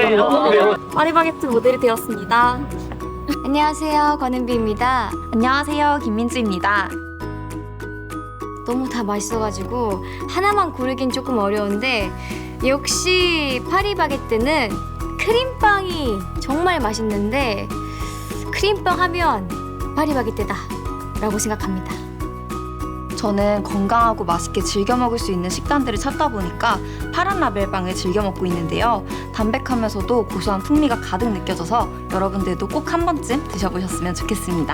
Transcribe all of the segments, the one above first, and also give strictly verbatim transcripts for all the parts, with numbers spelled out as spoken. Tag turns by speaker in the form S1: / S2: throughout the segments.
S1: 파리바게뜨 모델이 되었습니다.
S2: 안녕하세요, 권은비입니다.
S1: 안녕하세요, 김민주입니다.
S2: 너무 다 맛있어가지고 하나만 고르긴 조금 어려운데 역시 파리바게뜨는 크림빵이 정말 맛있는데 크림빵 하면 파리바게뜨다 라고 생각합니다.
S1: 저는 건강하고 맛있게 즐겨 먹을 수 있는 식단들을 찾다 보니까 파란 라벨빵을 즐겨 먹고 있는데요. 담백하면서도 고소한 풍미가 가득 느껴져서 여러분들도 꼭 한 번쯤 드셔보셨으면 좋겠습니다.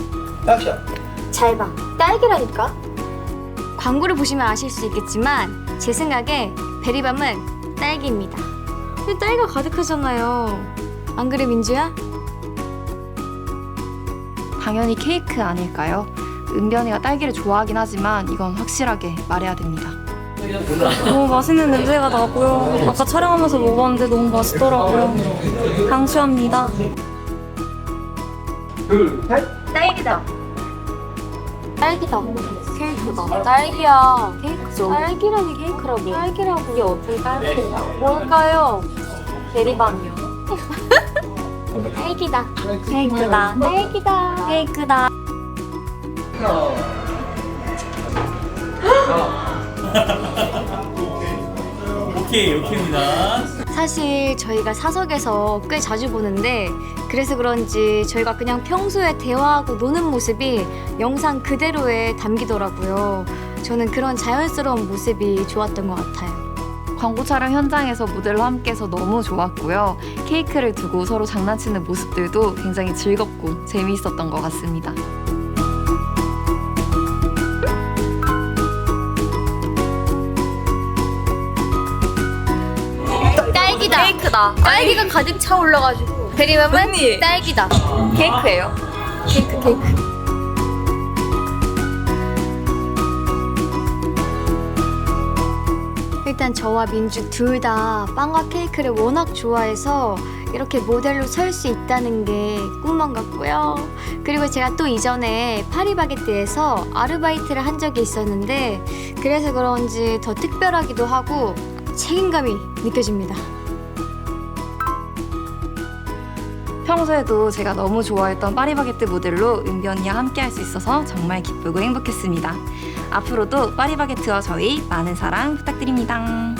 S2: 잘 봐, 딸기라니까? 광고를 보시면 아실 수 있겠지만 제 생각에 베리밤은 딸기입니다. 근데 딸기가 가득하잖아요. 안 그래, 민주야?
S1: 당연히 케이크 아닐까요? 은변이가 딸기를 좋아하긴 하지만 이건 확실하게 말해야 됩니다. 너무 맛있는 냄새가 나고요. 아까 촬영하면서 먹었는데 너무 맛있더라고요. 강추합니다.
S2: 딸기다. 딸기다. 케이크다. 딸기야. 케이크죠. 딸기라니 케이크라고. 딸기라고. 이게 어떻게 딸기야? 뭘까요? 베리밤이요. 딸기다.
S1: 케이크다.
S2: 딸기다.
S1: 케이크다.
S3: 오케이, 오케이입니다.
S2: 사실 저희가 사석에서 꽤 자주 보는데 그래서 그런지 저희가 그냥 평소에 대화하고 노는 모습이 영상 그대로에 담기더라고요. 저는 그런 자연스러운 모습이 좋았던 것 같아요.
S1: 광고 촬영 현장에서 모델로 함께해서 너무 좋았고요. 케이크를 두고 서로 장난치는 모습들도 굉장히 즐겁고 재미있었던 것 같습니다.
S2: 딸기다.
S1: 케이크다.
S2: 딸기가 가득 차 올라가지고 베리밤은
S1: 언니.
S2: 딸기다.
S1: 케이크예요.
S2: 케이크 케이크. 일단 저와 민주 둘 다 빵과 케이크를 워낙 좋아해서 이렇게 모델로 설 수 있다는 게 꿈만 같고요. 그리고 제가 또 이전에 파리바게뜨에서 아르바이트를 한 적이 있었는데 그래서 그런지 더 특별하기도 하고 책임감이 느껴집니다.
S1: 평소에도 제가 너무 좋아했던 파리바게뜨 모델로 은변이와 함께 할 수 있어서 정말 기쁘고 행복했습니다. 앞으로도 파리바게뜨와 저희 많은 사랑 부탁드립니다.